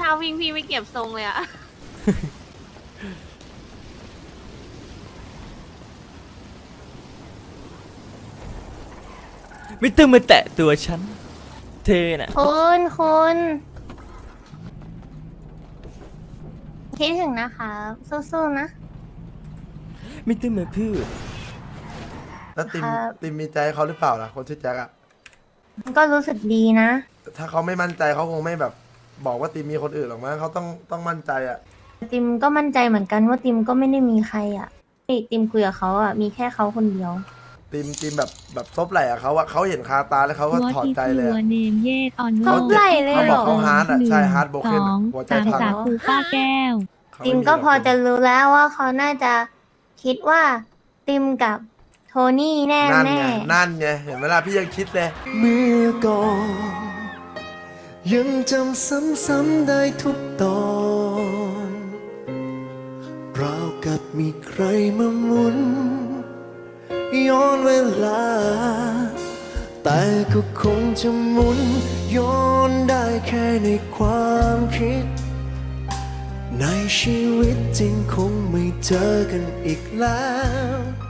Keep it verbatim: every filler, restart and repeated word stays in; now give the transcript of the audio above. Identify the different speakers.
Speaker 1: าวิ่งพี่ไม่เก็บทรงเลยอะ
Speaker 2: ไม่ต้องมาแตะตัวฉันเธอน่ะ
Speaker 3: คุณคุณคิดถึงนะคะสู้ๆนะ
Speaker 2: ไม่ต้องมาพูด
Speaker 4: แล้วติม
Speaker 3: ครับ
Speaker 4: ติมมีใจให้เขาหรือเปล่าล่ะคนชื่อแจ็คอะ
Speaker 3: ก็รู้สึกดีนะ
Speaker 4: ถ้าเขาไม่มั่นใจเขาคงไม่แบบ บอกว่าติมมีคนอื่นหรอกมั้งเขาต้องต้องมั่นใจอะ
Speaker 3: ติมก็มั่นใจเหมือนกันว่าติมก็ไม่ได้มีใครอ่ะที่ติมคุยกับเขาอ่ะมีแค่เขาคนเดียว
Speaker 4: ติมติมแบบแบบซบไหล่อะเขาอะเขาเห็นคาตาแล้วเขาก็ถอดใจเลยอะ
Speaker 5: เนมเยตอน
Speaker 3: เขาไหล่เลย
Speaker 4: เขา
Speaker 3: เห
Speaker 4: บ
Speaker 3: ร
Speaker 4: อก
Speaker 3: อ
Speaker 4: เขาฮาร์ดอะใช่ฮาร์ดโบ
Speaker 5: ส
Speaker 4: เคน
Speaker 5: อง
Speaker 4: หัวใจ
Speaker 5: สาม
Speaker 4: พัง
Speaker 5: สาคูป้าแก้ว
Speaker 4: เขา
Speaker 3: ติม
Speaker 4: ไ
Speaker 3: ก็พอจะรู้แล้วว่าเขาน่าจะคิดว่าติมกับโทนี่แน่
Speaker 4: นั่น
Speaker 3: แน่
Speaker 4: ไงนั่นไงเห็นไหมล่ะพี่ยังคิดเลย
Speaker 6: เมื่อก่อนยังจำซ้ำๆได้ทุกตอนราวกับมีใครมาหมุนย้อนเวลา แต่ก็คงจะหมุนย้อนได้แค่ในความคิด ในชีวิตจริงคงไม่เจอกันอีกแล้ว